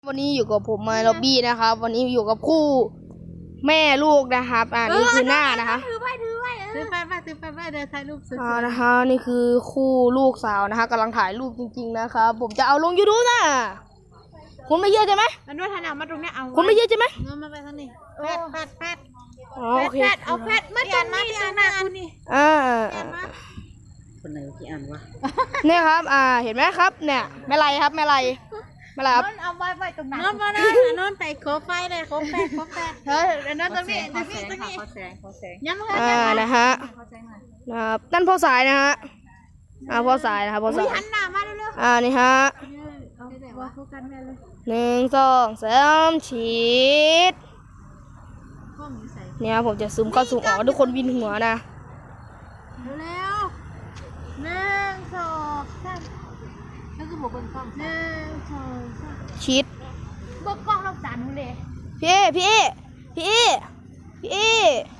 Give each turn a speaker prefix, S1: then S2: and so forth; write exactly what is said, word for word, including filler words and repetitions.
S1: วันนี้อยู่กับผมมาล็อบบี้นะครับวันนี้อยู่กับคู่แม่ลูกนะครับอ่านี่คือหน้านะคะ
S2: ถือไปถือไปถือไปไปถือไปไปเดี๋ยวถ่ายรูปสวย
S1: อ่านะคะนี่คือคู่ลูกสาวนะคะกำลังถ่ายรูปจริงๆนะครับผมจะเอาลงยูทูบนะคุณไม่เยอะใช่ไหม
S2: ๆมันว่าถ่ายหนังมาตรงเนี้ยเอา
S1: คุณไม่เยอะใช่ไหม
S2: เงินมาไปทางนี้แปดแปดแปด
S1: อ๋อโอเค
S2: แปดเอาแปดมาตรงนี้ตรงหน้าคุณนี่
S1: อ่า
S3: คนไหนที่อ่านวะ
S1: เนี่ยครับอ่าเห็นไหมครับเนี่ยแม่ไรครับแม่ไรแม่ไรครับ
S2: นอนเอาไว้ไว้ตรงนั้นนอนมานอนนอนไปโคไฟเลยโคแปดโคแปดเฮ้ยนอนตรงนี้ตรงนี้ตรงนี้
S3: ขอแสงขอแสง
S2: ย้ำเลย
S1: อ่านะฮะนะครับนั่นพ่อสายนะฮะอ่าพ่อสายนะครับพ่อสาย
S2: หันหน้ามาเร็ว
S1: อ่านี่ฮะ
S2: ๆเอาว่าโฟกัสแม่เลย
S1: หนึ่งสองสามฉีด
S2: ห้องนี้ใส่
S1: เนี่ยผมจะซูมเข้าซูมออกทุกคนวินหัวนะ
S2: เร็วหนึ่งสองสามแล้วก็บอกเบิ้งกล้องหนึ่งสองสาม
S1: ฉีด
S2: เบิ้งกล้องเราสานเลย
S1: พี่พี่พี่พี่